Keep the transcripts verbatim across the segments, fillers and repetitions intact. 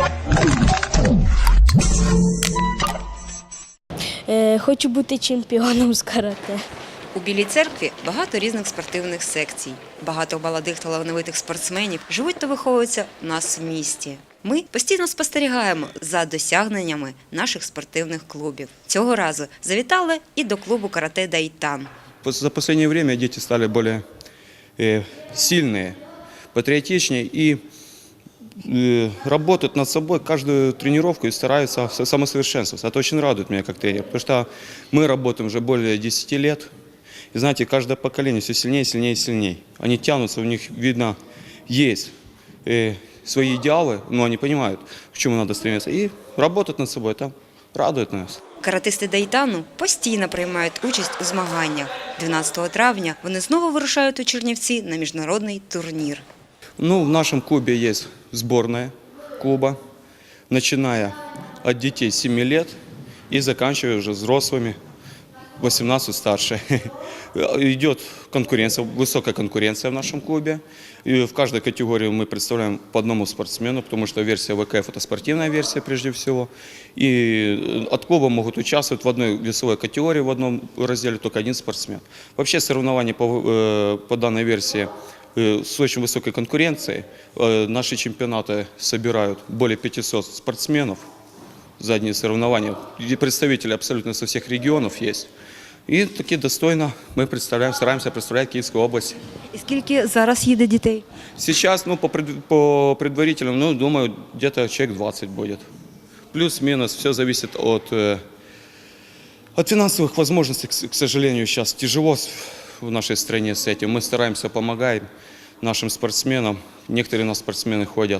Е, хочу бути чемпіоном з карате. У Білій церкві багато різних спортивних секцій. Багато молодих талановитих спортсменів живуть та виховуються у нас в місті. Ми постійно спостерігаємо за досягненнями наших спортивних клубів. Цього разу завітали і до клубу карате «Дайтан». За последнее время дети стали более э, сильные, патриотичнее и э, работают над собой каждую тренировку и стараются самосовершенствоваться. Это очень радует меня как тренер, потому что мы работаем уже более десяти лет. И знаете, каждое поколение все сильнее, сильнее и сильнее. Они тянутся, у них, видно, есть э, свои идеалы, но они понимают, к чему надо стремиться. И работать над собой, это радует нас. Каратисти «Дайтану» постійно приймають участь у змаганнях. дванадцятого травня вони знову вирушають у Чернівці на міжнародний турнір. Ну, в нашем клубе есть сборная клуба, начиная от детей семи лет и заканчивая уже взрослыми, восемнадцать старше. Идет конкуренция, высокая конкуренция в нашем клубе. И в каждой категории мы представляем по одному спортсмену, потому что версия ВКФ – это спортивная версия прежде всего. И от клуба могут участвовать в одной весовой категории, в одном разделе только один спортсмен. Вообще соревнования по, по данной версии с очень высокой конкуренцией. Наши чемпионаты собирают более пятисот спортсменов за одни соревнования. И представители абсолютно со всех регионов есть. І таки достойно ми представляємо, стараємося представляти Київську область. І скільки зараз їде дітей? Сейчас, ну, по, пред, по предварительным, ну, думаю, где-то человек двадцать будет. Плюс-минус, все зависит от, от финансовых возможностей. К, к сожалению, сейчас тяжело в нашей стране с этим. Мы стараемся, помогаем нашим спортсменам. Некоторые у нас спортсмены ходят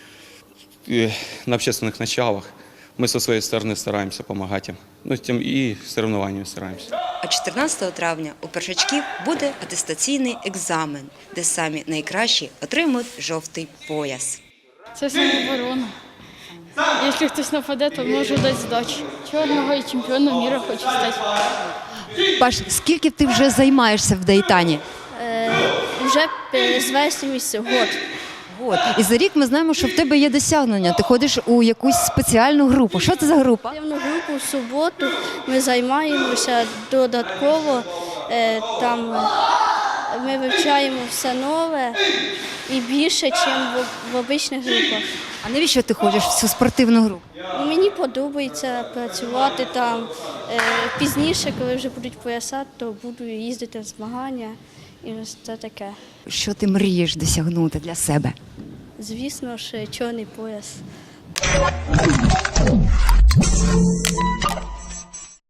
на общественных началах. Мы со своей стороны стараемся помогать им. Ну, тем и соревнованиями стараемся. А чотирнадцятого травня у першачків буде атестаційний екзамен, де самі найкращі отримують жовтий пояс. Це самооборона. Якщо хтось нападе, то можу дати здачу. Чорного і чемпіоном міра хочу стати. Паш, скільки ти вже займаєшся в Дайтані? Е, вже з вересня місяця, год. От. І за рік ми знаємо, що в тебе є досягнення. Ти ходиш у якусь спеціальну групу. Що це за група? Спортивну групу в суботу ми займаємося додатково. Е, там ми вивчаємо все нове і більше, ніж в, в обичних групах. А навіщо ти ходиш в цю спортивну групу? Мені подобається працювати там. Е, пізніше, коли вже будуть пояса, то буду їздити в змагання і ось це таке. Що ти мрієш досягнути для себе? Звісно ж, чорний пояс.